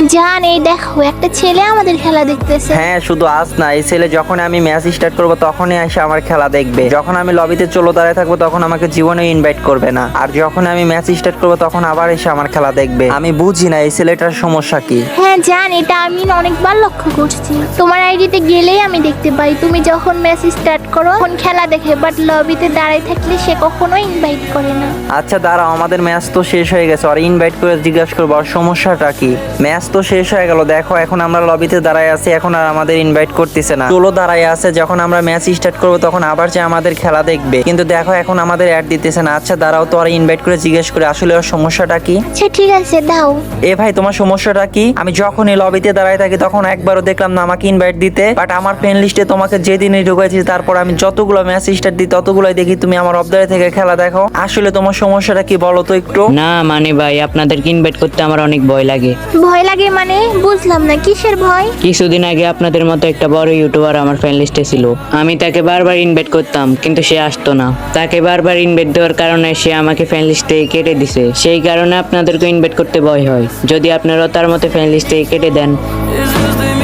জান এই দেখো একটা ছেলে আমাদের খেলা দেখতেছে। হ্যাঁ, শুধু আজ না, এই ছেলে যখন আমি ম্যাচ স্টার্ট করবো তখনই এসে আমার খেলা দেখবে। যখন আমি লবিতে চলো দাঁড়ায় থাকবো তখন আমাকে জীবনে ইনভাইট করবে না, আর যখন আমি ম্যাচ স্টার্ট করবো তখন আবার এসে আমার খেলা দেখবে। আমি বুঝি না এই ছেলেটার সমস্যা কি। হ্যাঁ জান, এটা আমি অনেকবার লক্ষ্য করছি। তোমার আইডিতে গেলেই আমি দেখতে পাই তুমি যখন ম্যাচ স্টার্ট করো তখন খেলা দেখে, বাট লবিতে দাঁড়ায় থাকলে সে কখনোই ইনভাইট করে না। আচ্ছা দাঁড়াও, আমাদের ম্যাচ তো শেষ হয়ে গেছে, আর ইনভাইট করে জিজ্ঞাসা করবো আর সমস্যাটা কি। ম্যাচ তো শেষ হয়ে গেল, দেখো এখন আমরা লবিতে দাঁড়ায় আছি, এখন আর আমাদের ইনভাইট করতেছে না। চলো দাঁড়ায় আছে, যখন আমরা ম্যাচ স্টার্ট করবো তখন আবার যে আমাদের খেলা দেখবে, কিন্তু দেখো এখন আমাদের অ্যাড দিতেছে না। আচ্ছা দাঁড়াও তো, আর ইনভাইট করে জিজ্ঞেস করে আসলে ওর সমস্যাটা কি। আচ্ছা ঠিক আছে দাও। এ ভাই, তোমার সমস্যাটা কি? আমি যখনই লবিতে দাঁড়ায় থাকি তখন একবারও দেখলাম না আমাকে ইনভাইট দিতে, বাট আমার ফ্রেন্ড লিস্টে তোমাকে যেদিনই ঢুকাইছি তারপর আমি যতগুলো ম্যাচ স্টার্ট দিই ততগুলোই দেখি তুমি আমার অবদারে থেকে খেলা দেখো। আসলে তোমার সমস্যাটা কি বলো তো একটু। না মানে ভাই, আপনাদেরকে ইনভাইট করতে আমার অনেক ভয় লাগে। ভয় লাগে মানে বুঝলাম না, কিসের ভয়? কিছুদিন আগে আপনাদের মতো একটা বড় ইউটিউবার আমার ফ্রেন্ড লিস্টে ছিল। আমি তাকে বারবার ইনভাইট করতাম কিন্তু সে আসতো না। তাকে বারবার ইনভাইট দেওয়ার কারণে সে আমাকে ফ্রেন্ড লিস্ট থেকে কেটে দিছে। সেই কারণে আপনাদেরকে ইনভাইট করতে ভয় হয়। যদি আপনারা তার মতো ফ্রেন্ড লিস্ট থেকে কেটে দেন।